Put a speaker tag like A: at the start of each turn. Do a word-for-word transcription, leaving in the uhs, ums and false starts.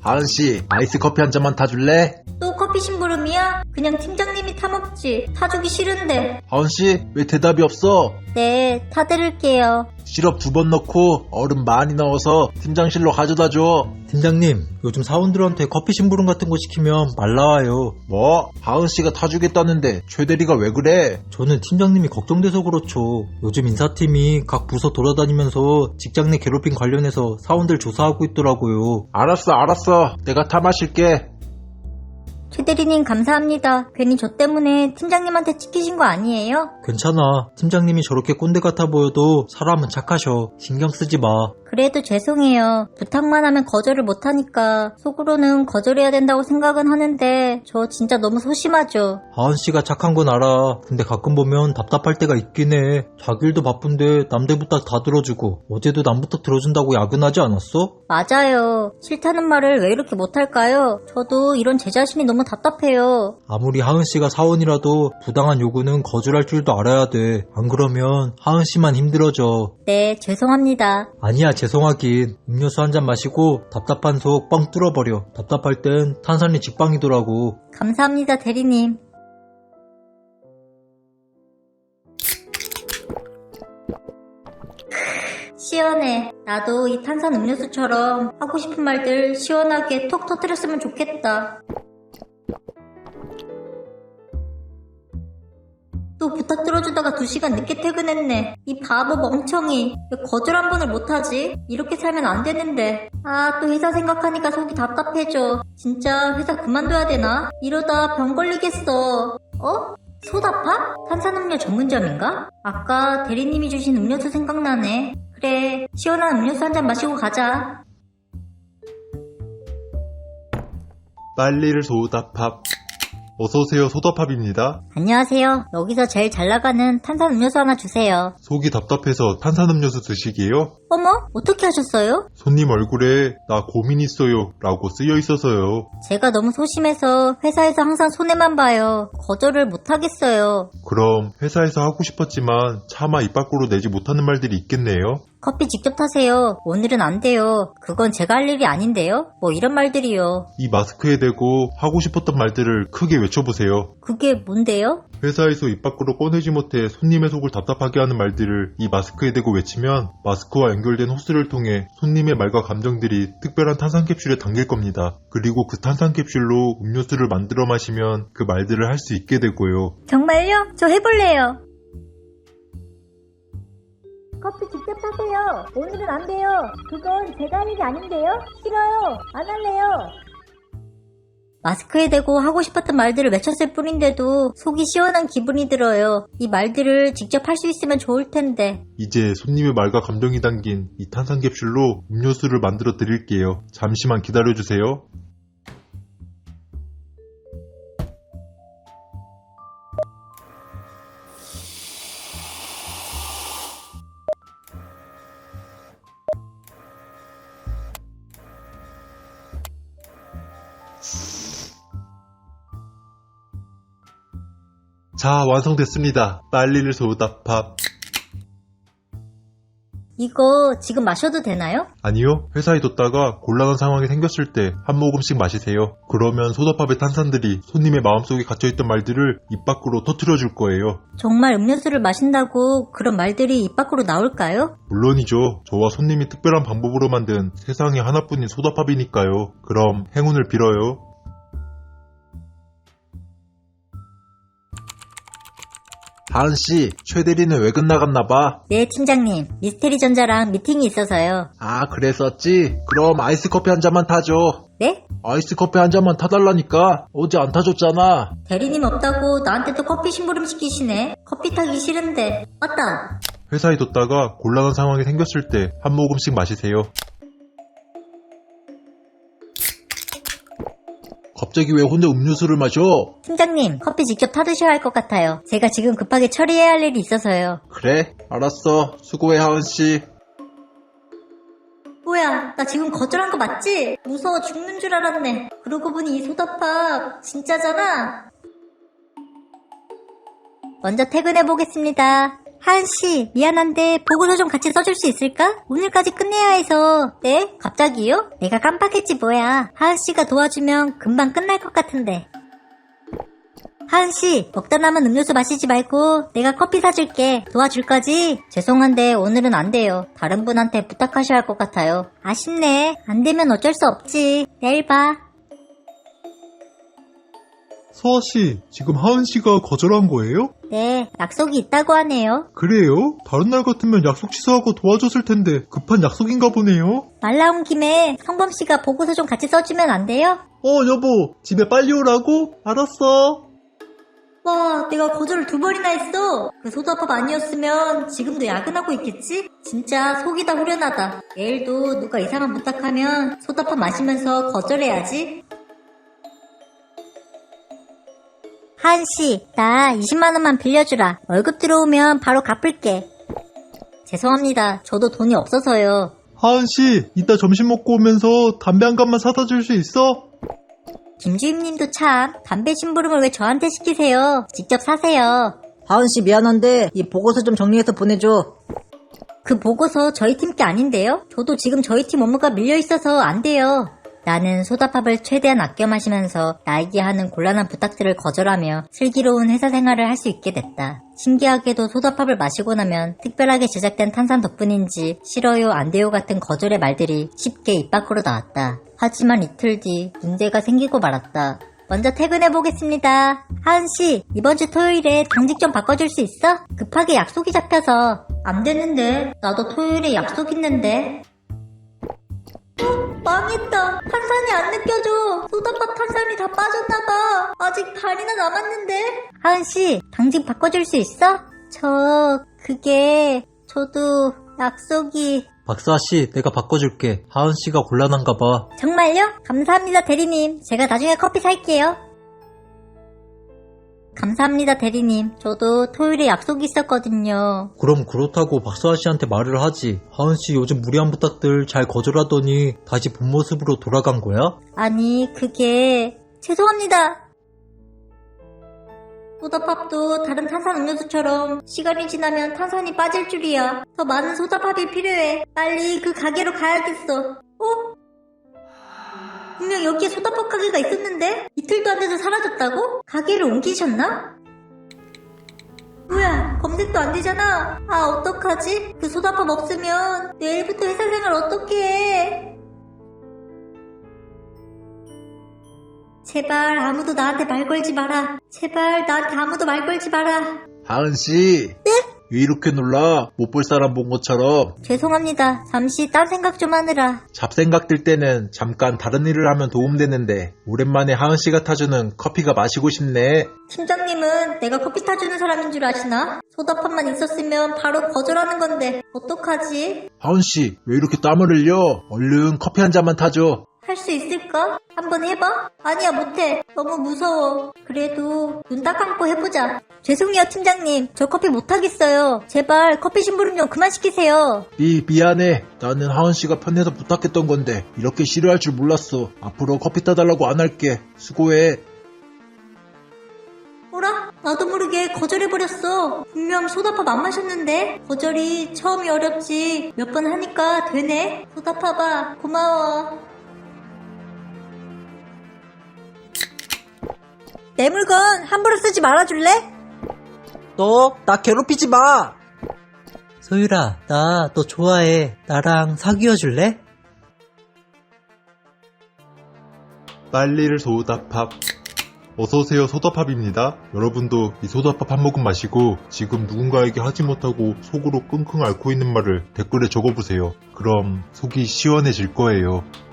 A: 하은씨, 아이스 커피 한 잔만 타줄래?
B: 또 커피 심부름이야? 그냥 팀장님이 타먹지. 타주기 싫은데.
A: 하은씨, 왜 대답이 없어?
B: 네, 타드릴게요.
A: 시럽 두 번 넣고 얼음 많이 넣어서 팀장실로 가져다 줘.
C: 팀장님, 요즘 사원들한테 커피 심부름 같은 거 시키면 말 나와요.
A: 뭐? 하은씨가 타주겠다는데 최대리가 왜 그래?
C: 저는 팀장님이 걱정돼서 그렇죠. 요즘 인사팀이 각 부서 돌아다니면서 직장 내 괴롭힘 관련해서 사원들 조사하고 있더라고요.
A: 알았어 알았어, 내가 타 마실게.
B: 최대리님 감사합니다. 괜히 저 때문에 팀장님한테 찍히신 거 아니에요?
C: 괜찮아. 팀장님이 저렇게 꼰대 같아 보여도 사람은 착하셔. 신경 쓰지 마.
B: 그래도 죄송해요. 부탁만 하면 거절을 못하니까 속으로는 거절해야 된다고 생각은 하는데 저 진짜 너무 소심하죠.
C: 하은씨가 착한 건 알아. 근데 가끔 보면 답답할 때가 있긴 해. 자기 일도 바쁜데 남들 부탁 다 들어주고 어제도 남 부탁 들어준다고 야근하지 않았어?
B: 맞아요. 싫다는 말을 왜 이렇게 못할까요? 저도 이런 제 자신이 너무 답답해요.
C: 아무리 하은씨가 사원이라도 부당한 요구는 거절할 줄도 알아야 돼. 안 그러면 하은씨만 힘들어져.
B: 네, 죄송합니다.
C: 아니야, 죄송하긴. 음료수 한 잔 마시고 답답한 속 뻥 뚫어버려. 답답할 땐 탄산이 직방이더라고.
B: 감사합니다, 대리님. 시원해. 나도 이 탄산 음료수처럼 하고 싶은 말들 시원하게 톡 터뜨렸으면 좋겠다. 또 부탁 들어주다가 두 시간 늦게 퇴근했네. 이 바보 멍청이. 왜 거절 한 번을 못하지? 이렇게 살면 안 되는데. 아, 또 회사 생각하니까 속이 답답해져. 진짜 회사 그만둬야 되나? 이러다 병 걸리겠어. 어? 소다팝? 탄산음료 전문점인가? 아까 대리님이 주신 음료수 생각나네. 그래, 시원한 음료수 한 잔 마시고 가자.
D: 빨리를 소다팝. 어서오세요, 소다팝입니다.
B: 안녕하세요. 여기서 제일 잘 나가는 탄산 음료수 하나 주세요.
D: 속이 답답해서 탄산음료수 드시게요?
B: 어머? 어떻게 하셨어요?
D: 손님 얼굴에 나 고민 있어요 라고 쓰여 있어서요.
B: 제가 너무 소심해서 회사에서 항상 손해만 봐요. 거절을 못하겠어요.
D: 그럼 회사에서 하고 싶었지만 차마 입 밖으로 내지 못하는 말들이 있겠네요.
B: 커피 직접 타세요. 오늘은 안 돼요. 그건 제가 할 일이 아닌데요? 뭐 이런 말들이요.
D: 이 마스크에 대고 하고 싶었던 말들을 크게 외쳐보세요.
B: 그게 뭔데요?
D: 회사에서 입 밖으로 꺼내지 못해 손님의 속을 답답하게 하는 말들을 이 마스크에 대고 외치면 마스크와 연결된 호스를 통해 손님의 말과 감정들이 특별한 탄산캡슐에 담길 겁니다. 그리고 그 탄산캡슐로 음료수를 만들어 마시면 그 말들을 할 수 있게 되고요.
B: 정말요? 저 해볼래요. 커피 직접 타세요. 오늘은 안 돼요. 그건 제가 할 일이 아닌데요? 싫어요. 안 할래요. 마스크에 대고 하고 싶었던 말들을 외쳤을 뿐인데도 속이 시원한 기분이 들어요. 이 말들을 직접 할 수 있으면 좋을 텐데.
D: 이제 손님의 말과 감정이 담긴 이 탄산캡슐로 음료수를 만들어 드릴게요. 잠시만 기다려주세요. 자, 완성됐습니다. 빨리를 소다팝.
B: 이거 지금 마셔도 되나요?
D: 아니요, 회사에 뒀다가 곤란한 상황이 생겼을 때 한 모금씩 마시세요. 그러면 소다팝의 탄산들이 손님의 마음속에 갇혀있던 말들을 입 밖으로 터뜨려 줄 거예요.
B: 정말 음료수를 마신다고 그런 말들이 입 밖으로 나올까요?
D: 물론이죠. 저와 손님이 특별한 방법으로 만든 세상에 하나뿐인 소다팝이니까요. 그럼 행운을 빌어요.
A: 하은씨, 최대리는 외근 나갔나봐.
B: 네, 팀장님. 미스테리 전자랑 미팅이 있어서요.
A: 아, 그랬었지? 그럼 아이스 커피 한 잔만 타줘.
B: 네?
A: 아이스 커피 한 잔만 타달라니까. 어제 안 타줬잖아.
B: 대리님 없다고 나한테 또 커피 심부름 시키시네. 커피 타기 싫은데. 맞다.
D: 회사에 뒀다가 곤란한 상황이 생겼을 때 한 모금씩 마시세요.
A: 갑자기 왜 혼자 음료수를 마셔?
B: 팀장님, 커피 직접 타드셔야 할 것 같아요. 제가 지금 급하게 처리해야 할 일이 있어서요.
A: 그래? 알았어. 수고해, 하은씨.
B: 뭐야, 나 지금 거절한 거 맞지? 무서워 죽는 줄 알았네. 그러고 보니 이 소다팝 진짜잖아. 먼저 퇴근해보겠습니다. 하은씨, 미안한데 보고서 좀 같이 써줄 수 있을까? 오늘까지 끝내야 해서. 네? 갑자기요? 내가 깜빡했지 뭐야. 하은씨가 도와주면 금방 끝날 것 같은데. 하은씨, 먹다 남은 음료수 마시지 말고 내가 커피 사줄게. 도와줄 거지? 죄송한데 오늘은 안 돼요. 다른 분한테 부탁하셔야 할 것 같아요. 아쉽네. 안 되면 어쩔 수 없지. 내일 봐.
D: 서아씨, 지금 하은씨가 거절한 거예요?
B: 네, 약속이 있다고 하네요.
D: 그래요? 다른 날 같으면 약속 취소하고 도와줬을 텐데 급한 약속인가 보네요?
B: 말 나온 김에 성범씨가 보고서 좀 같이 써주면 안 돼요?
D: 어, 여보, 집에 빨리 오라고? 알았어.
B: 와, 내가 거절을 두 번이나 했어. 그 소다팝 아니었으면 지금도 야근하고 있겠지? 진짜 속이 다 후련하다. 내일도 누가 이상한 부탁하면 소다팝 마시면서 거절해야지. 하은씨, 나 이십만 원만 빌려주라. 월급 들어오면 바로 갚을게. 죄송합니다. 저도 돈이 없어서요.
D: 하은씨, 이따 점심 먹고 오면서 담배 한 갑만 사다 줄 수 있어?
B: 김주임님도 참 담배 심부름을 왜 저한테 시키세요? 직접 사세요.
C: 하은씨 미안한데 이 보고서 좀 정리해서 보내줘.
B: 그 보고서 저희 팀 게 아닌데요? 저도 지금 저희 팀 업무가 밀려있어서 안 돼요. 나는 소다팝을 최대한 아껴 마시면서 나에게 하는 곤란한 부탁들을 거절하며 슬기로운 회사 생활을 할 수 있게 됐다. 신기하게도 소다팝을 마시고 나면 특별하게 제작된 탄산 덕분인지 싫어요 안 돼요 같은 거절의 말들이 쉽게 입 밖으로 나왔다. 하지만 이틀 뒤 문제가 생기고 말았다. 먼저 퇴근해 보겠습니다. 하은씨, 이번 주 토요일에 당직 좀 바꿔줄 수 있어? 급하게 약속이 잡혀서. 안 되는데. 나도 토요일에 약속 있는데. 망했다. 탄산이 안 느껴져. 소다팝 탄산이 다 빠졌나봐. 아직 반이나 남았는데. 하은씨, 당직 바꿔줄 수 있어? 저... 그게... 저도 약속이...
C: 박사씨, 내가 바꿔줄게. 하은씨가 곤란한가 봐.
B: 정말요? 감사합니다 대리님. 제가 나중에 커피 살게요. 감사합니다 대리님. 저도 토요일에 약속이 있었거든요.
C: 그럼 그렇다고 박사씨한테 말을 하지. 하은씨 요즘 무리한 부탁들 잘 거절하더니 다시 본 모습으로 돌아간 거야?
B: 아니 그게... 죄송합니다. 소다팝도 다른 탄산 음료수처럼 시간이 지나면 탄산이 빠질 줄이야. 더 많은 소다팝이 필요해. 빨리 그 가게로 가야겠어. 어? 분명 여기에 소다팝 가게가 있었는데? 이틀도 안 돼서 사라졌다고? 가게를 옮기셨나? 뭐야, 검색도 안 되잖아. 아, 어떡하지? 그 소다팝 없으면 내일부터 회사 생활 어떻게 해? 제발 아무도 나한테 말 걸지 마라. 제발 나한테 아무도 말 걸지 마라.
A: 하은씨.
B: 네?
A: 왜 이렇게 놀라? 못 볼 사람 본 것처럼.
B: 죄송합니다. 잠시 딴 생각 좀 하느라.
A: 잡생각 들 때는 잠깐 다른 일을 하면 도움되는데 오랜만에 하은씨가 타주는 커피가 마시고 싶네.
B: 팀장님은 내가 커피 타주는 사람인 줄 아시나? 소다팝만 있었으면 바로 거절하는 건데 어떡하지?
A: 하은씨, 왜 이렇게 땀을 흘려? 얼른 커피 한 잔만 타줘.
B: 할 수 있을까? 한번 해봐? 아니야 못해. 너무 무서워. 그래도 눈 딱 감고 해보자. 죄송해요 팀장님. 저 커피 못하겠어요. 제발 커피 심부름 좀 그만 시키세요.
A: 미, 미안해. 나는 하은씨가 편해서 부탁했던 건데 이렇게 싫어할 줄 몰랐어. 앞으로 커피 타달라고 안 할게. 수고해.
B: 뭐라? 나도 모르게 거절해버렸어. 분명 소다팝 안 마셨는데. 거절이 처음이 어렵지 몇 번 하니까 되네. 소다팝아 고마워. 내 물건 함부로 쓰지 말아줄래?
C: 너 나 괴롭히지 마. 소율아, 나 너 좋아해. 나랑 사귀어 줄래?
D: 빨리를 소다팝. 어서오세요, 소다팝입니다. 여러분도 이 소다팝 한 모금 마시고 지금 누군가에게 하지 못하고 속으로 끙끙 앓고 있는 말을 댓글에 적어보세요. 그럼 속이 시원해질 거예요.